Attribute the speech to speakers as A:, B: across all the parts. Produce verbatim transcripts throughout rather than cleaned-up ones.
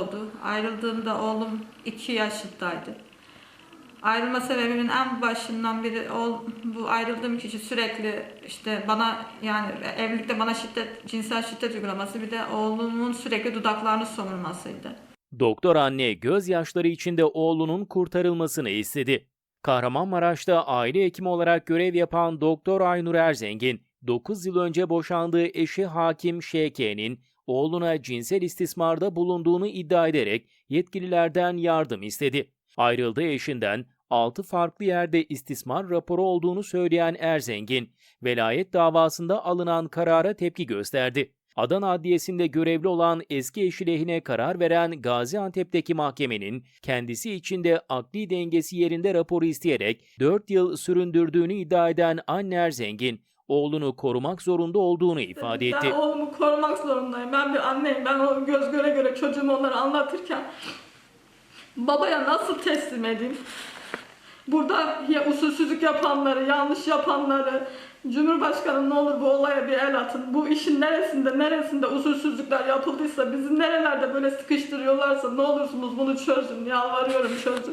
A: oldu. Ayrıldığımda oğlum iki yaşındaydı. Ayrılma sebebimin en başından biri o, bu ayrıldığım kişi sürekli işte bana, yani evlilikte bana şiddet, cinsel şiddet uygulaması, bir de oğlumun sürekli dudaklarını somurmasıydı.
B: Doktor anne gözyaşları içinde oğlunun kurtarılmasını istedi. Kahramanmaraş'ta aile hekimi olarak görev yapan Doktor Aynur Erzengin, dokuz yıl önce boşandığı eşi Hakim Ş K'nin oğluna cinsel istismarda bulunduğunu iddia ederek yetkililerden yardım istedi. Ayrıldığı eşinden altı farklı yerde istismar raporu olduğunu söyleyen Erzengin, velayet davasında alınan karara tepki gösterdi. Adana Adliyesi'nde görevli olan eski eşi lehine karar veren Gaziantep'teki mahkemenin kendisi için de akli dengesi yerinde raporu isteyerek dört yıl süründürdüğünü iddia eden anne Erzengin, oğlunu korumak zorunda olduğunu ifade etti.
A: Ben oğlumu korumak zorundayım. Ben bir anneyim. Ben o göz göre göre çocuğumu onlara anlatırken babaya nasıl teslim edeyim? Burada ya usulsüzlük yapanları, yanlış yapanları, Cumhurbaşkanım ne olur bu olaya bir el atın. Bu işin neresinde, neresinde usulsüzlükler yapıldıysa, bizi nerelerde böyle sıkıştırıyorlarsa ne olursunuz bunu çözün. Yalvarıyorum, çözün.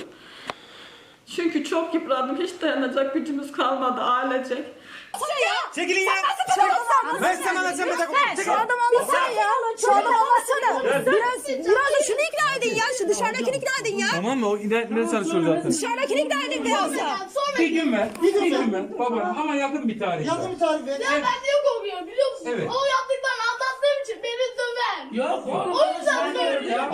A: Çünkü çok yıprandım. Hiç dayanacak gücümüz kalmadı ailecek.
C: Çekilin ya. Ben sana anlatacağım.
D: Şu adam anlasana ya. Şu adam anlasana. Biraz, biraz da şunu ikna edin ya. Şu dışarıdakini ikna edin ya.
C: Tamam mı? O internetleri çalışıyor zaten.
D: Dışarıdakini ikna edin biraz da.
E: Bir gün ver. Bir gün ver. Baba ama yakın bir tarih.
F: Yakın bir tarih ver.
E: Evet.
F: Ya ben niye korkuyorum biliyor musun?
E: Evet.
F: O yaptıklarını anlattığım için beni döver.
E: Yok.
F: O yüzden söylüyorum.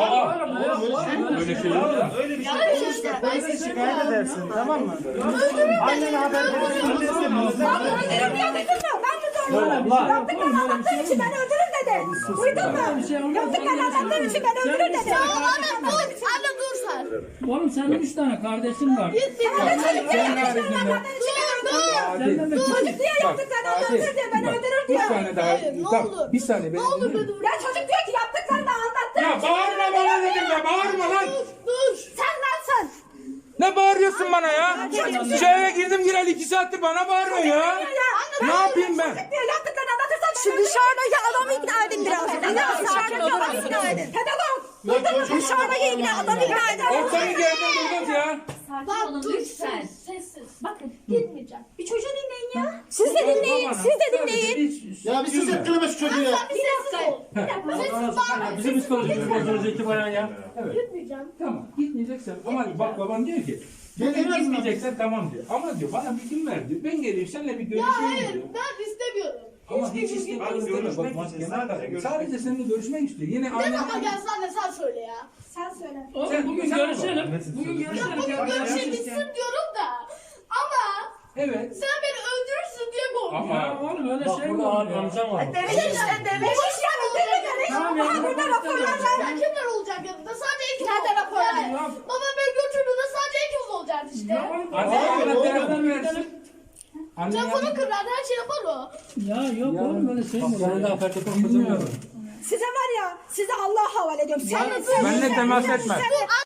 E: Aa, böyle şey yok da.
C: Öyle bir şey
F: Yani
C: olursa
F: işte ben
C: polise
F: size
C: şikayet
F: ya.
C: edersin. Tamam mı?
F: Öldürürüm
C: Annene haber verirsin.
D: Öldürürüm ya dedim mi? Ben mi zorluyorum? Yaptıklarını anlattığım için ben öldürür dedim. Duydun mu? Yaptıklarını anlattığım için ben öldürür dedim.
F: Anne dur. Anne dur sen.
G: Oğlum senin üç tane kardeşin var.
F: Git git.
D: Ben çocuk diye yaptıklarını anlattığım için ben öldürür diyor. Çocuk diye yaptıklarını anlatır diyor. Ben öldürür diyor.
E: Bir tane daha.
F: Hayır, ne
E: Tamam,
F: olur.
E: bir saniye.
F: Ne
E: beni
F: olur
E: dinle.
F: be dur.
D: Ya çocuk diyor ki yaptıklarını anlattığım
E: Ya
D: için.
E: bağırma bana dedim ya. Bağırma lan.
F: Dur dur.
D: Sen lansın.
E: Ne bağırıyorsun bana ya? Şu eve girdim gireli iki saattir bana bağırıyor ya. Ne yapayım ben?
D: Diyor yaptıklarını anlatırsan şu dışarıdaki adamı ikna edin biraz. Biraz dışarıdaki adamı ikna edin. Pedagog. Duydun mu? Dışarıdaki ikna adamı ikna edin.
E: Ortanı geldim durduk ya.
F: Bak dur lütfen. Sessiz. Bakın gitmeyeceğim.
D: Bir çocuğu dinleyin ya. Siz de dinleyin. Siz de dinleyin.
C: Ya bir ses ettireme şu çocuğu ya.
F: Sen bir sessiz ol. Sessiz bağırma.
E: Bizim psikolojimiz bozulacak falan ya. Evet.
F: Gitmeyeceğim.
E: Tamam gitmeyeceksen ama bak baban diyor ki
C: Gel,
E: bugün
C: gel,
E: gitmeyeceksen tamam diyor. Ama diyor bana bir gün ver diyor. Ben geleyim seninle bir
F: Ya
E: görüşeyim
F: hayır
E: diyor.
F: ben istemiyorum.
E: Ama
F: Hiçbir
E: hiç
F: gün
E: istemiyorum
F: gitmek
E: deme. Bak mahkeme kadar. Sadece seninle görüşmek istiyor. Yine
F: Ne
E: annen...
F: zaman gelsen de sen söyle ya.
D: Sen söyle.
G: Oğlum
E: Sen-
G: bugün
E: sen
G: görüşelim.
E: bak.
G: Bugün
F: Ya
G: görüşelim.
F: bugün görüşe bitsin diyorum da. Ama
E: Evet.
F: sen beni öldürürsün diye korkuyorum.
E: Ama
G: Ya oğlum öyle şey mi olur ya?
D: Demiş işte demiş. Boş ya bitirme demiş.
G: Tamam ya,
D: Aha burada
G: ben
D: raporlar
G: istemiyorum.
D: var.
F: Ya kimler olacak yanında? Sadece ikimiz
D: Nerede
F: olacak.
D: raporlar?
F: Yani. Baba beni götürdüğünde sadece ikimiz olacağız işte.
G: Ya oğlum,
E: Anne bana telefon versin. Anne
F: Telefonu kırar her şey yapar o.
G: Ya yok oğlum öyle şey mi olur?
E: Bilmiyorum.
D: Size var ya, size Allah'a havale ediyorum. Sen,
E: Benimle temas etme.
F: Dur